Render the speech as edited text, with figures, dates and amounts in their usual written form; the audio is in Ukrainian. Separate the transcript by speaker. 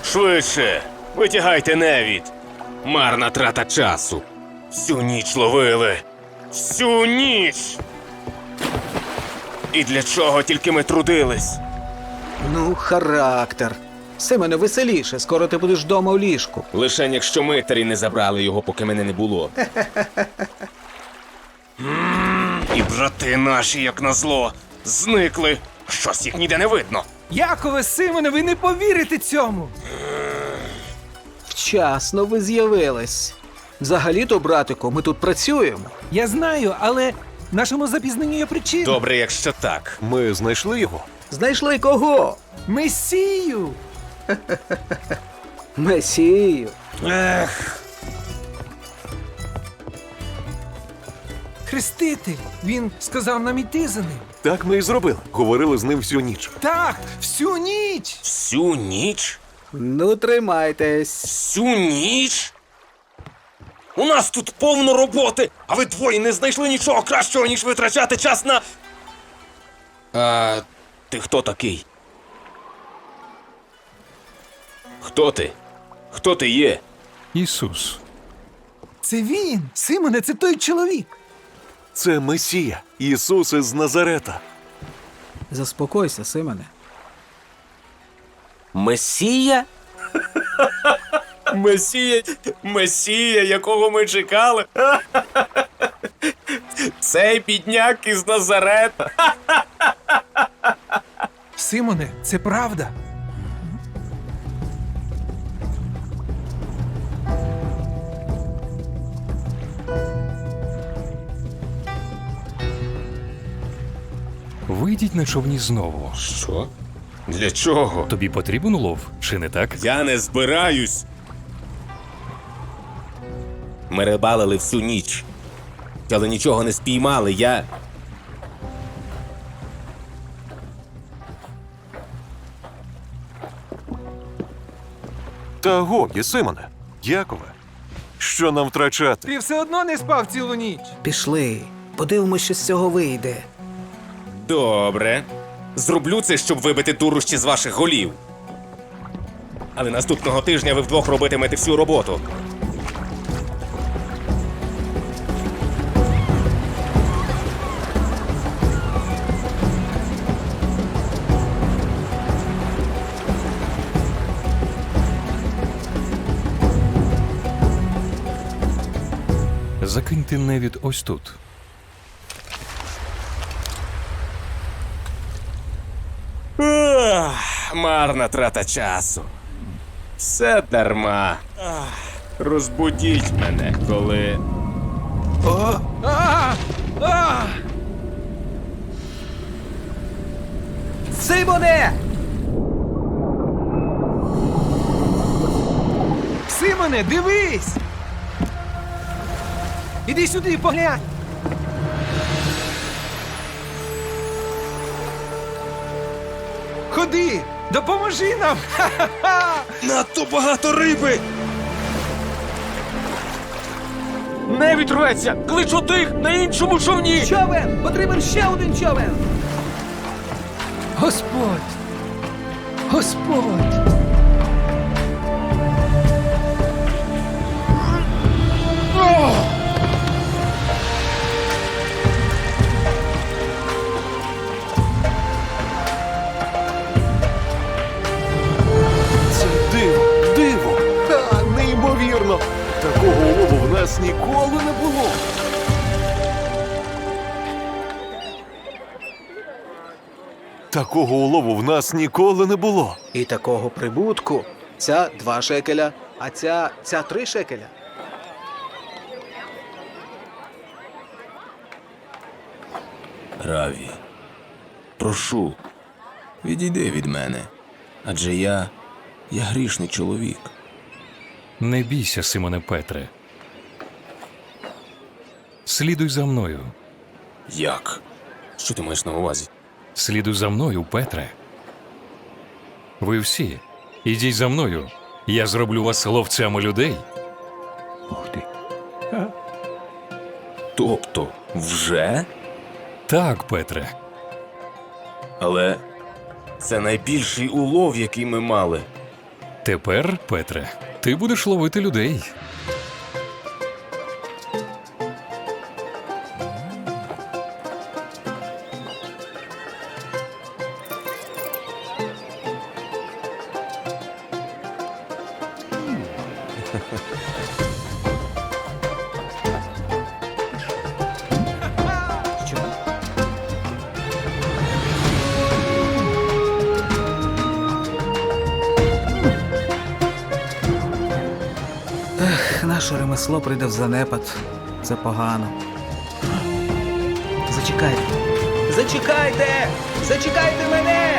Speaker 1: Швидше! Витягайте невід! Марна трата часу! Всю ніч ловили! Всю ніч! І для чого тільки ми трудились?
Speaker 2: Ну, характер. Семене, веселіше, скоро ти будеш вдома в ліжку.
Speaker 1: Лишень якщо митарі не забрали його, поки мене не було. І брати наші, як назло, зникли. Щось їх ніде не видно.
Speaker 3: Якове, Симоне, ви не повірите цьому!
Speaker 2: Вчасно ви з'явились. Взагалі-то, братику, ми тут працюємо.
Speaker 3: Я знаю, але нашому запізненню є причина.
Speaker 1: Добре, якщо так.
Speaker 4: Ми знайшли його.
Speaker 2: Знайшли кого?
Speaker 3: Месію!
Speaker 2: Месію.
Speaker 1: Ех,
Speaker 3: Хреститель! Він сказав нам іти за ним.
Speaker 4: Так ми і зробили. Говорили з ним всю ніч.
Speaker 3: Так, всю ніч!
Speaker 1: всю ніч?
Speaker 2: Ну, тримайтесь.
Speaker 1: Всю ніч? У нас тут повно роботи, а ви двоє не знайшли нічого кращого, ніж витрачати час на... А ти хто такий? Хто ти? Хто ти є?
Speaker 5: Ісус.
Speaker 3: Це він! Симоне, це той чоловік!
Speaker 4: Це Месія, Ісус із Назарета.
Speaker 2: Заспокойся, Семене.
Speaker 1: Месія? Месія, якого ми чекали. Цей бідняк із Назарета.
Speaker 3: Симоне, це правда!
Speaker 5: Вийдіть на човні знову.
Speaker 1: Що? Для чого?
Speaker 5: Тобі потрібен улов, чи не так?
Speaker 1: Я не збираюсь. Ми рибалили всю ніч. Але нічого не спіймали, я...
Speaker 4: Та годі, Симоне. Якове. Що нам втрачати?
Speaker 3: Ти все одно не спав цілу ніч!
Speaker 2: Пішли. Подивимось, що з цього вийде.
Speaker 1: Добре. Зроблю це, щоб вибити дурощі з ваших голів. Але наступного тижня ви вдвох робитимете всю роботу.
Speaker 5: Закиньте невід ось тут.
Speaker 1: Марна трата часу. Все дарма. Розбудіть мене, коли...
Speaker 2: Симоне!
Speaker 3: Симоне, дивись! Іди сюди, поглянь! Ходи! Допоможи нам! Ха-ха-ха!
Speaker 1: Надто багато риби! Не відрветься! Кличу тих на іншому човні!
Speaker 2: Човен! Потрібен ще один човен!
Speaker 3: Господь! Господь!
Speaker 4: Це диво! Ха, неймовірно! Такого улову в нас ніколи не було. Такого улову в нас ніколи не було.
Speaker 2: І такого прибутку. Ця 2 шекеля, а ця 3 шекеля.
Speaker 1: Раві, прошу, відійди від мене. Адже я грішний чоловік.
Speaker 5: Не бійся, Симоне Петре. Слідуй за мною.
Speaker 1: Як? Що ти маєш на увазі?
Speaker 5: Слідуй за мною, Петре. Ви всі, ідіть за мною. Я зроблю вас ловцями людей.
Speaker 1: Ух ти. Тобто, вже?
Speaker 5: Так, Петре.
Speaker 1: Але це найбільший улов, який ми мали.
Speaker 5: Тепер, Петре, ти будеш ловити людей.
Speaker 2: Наше ремесло прийде в занепад. Це погано. Зачекайте. Зачекайте! Зачекайте мене!